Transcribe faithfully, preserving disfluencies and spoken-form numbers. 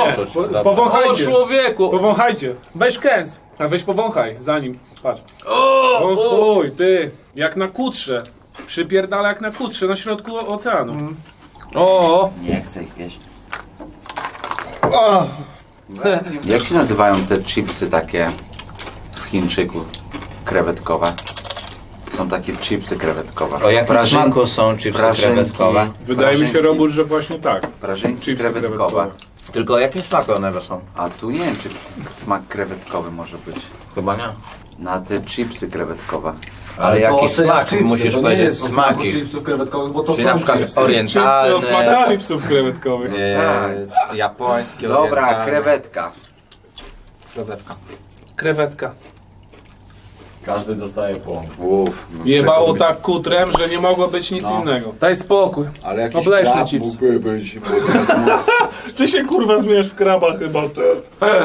poczuć. po, Dobra. O powąchajcie. człowieku! Powąchajcie. Weź kęs. A weź powąchaj, zanim. Patrz. O, O o. chuj, ty. Jak na kutrze. Przypierdala jak na kutrze na środku oceanu. o. Nie chcę ich jeść. Jak się nazywają te chipsy takie w Chińczyku? Krewetkowe. Są takie chipsy krewetkowe. O jakim Prażyn- smaku są chipsy prażynki. krewetkowe? Wydaje mi się, Prażynki. Robur, że właśnie tak. Prażynki Chipsy krewetkowe. krewetkowe. Tylko o jakim smaku one są? A tu nie wiem, czy smak krewetkowy może być. Chyba nie. Na te chipsy krewetkowe. Ale to jaki oceniasz smak? chipsy, Musisz to nie powiedzieć jest o smaku smaki. chipsów krewetkowych, bo to Czyli są na przykład chipsy. Chipsy o orientalne, smakach chipsów krewetkowych. e, japońskie, Dobra, orientalne. krewetka. Krewetka. Krewetka. Każdy dostaje po. Uff. Jebało tak kutrem, że nie mogło być nic No. innego. Daj spokój. Ale jakiś Obleśny krab chips. mógłby być. Ty się kurwa zmieniasz w kraba chyba, ty.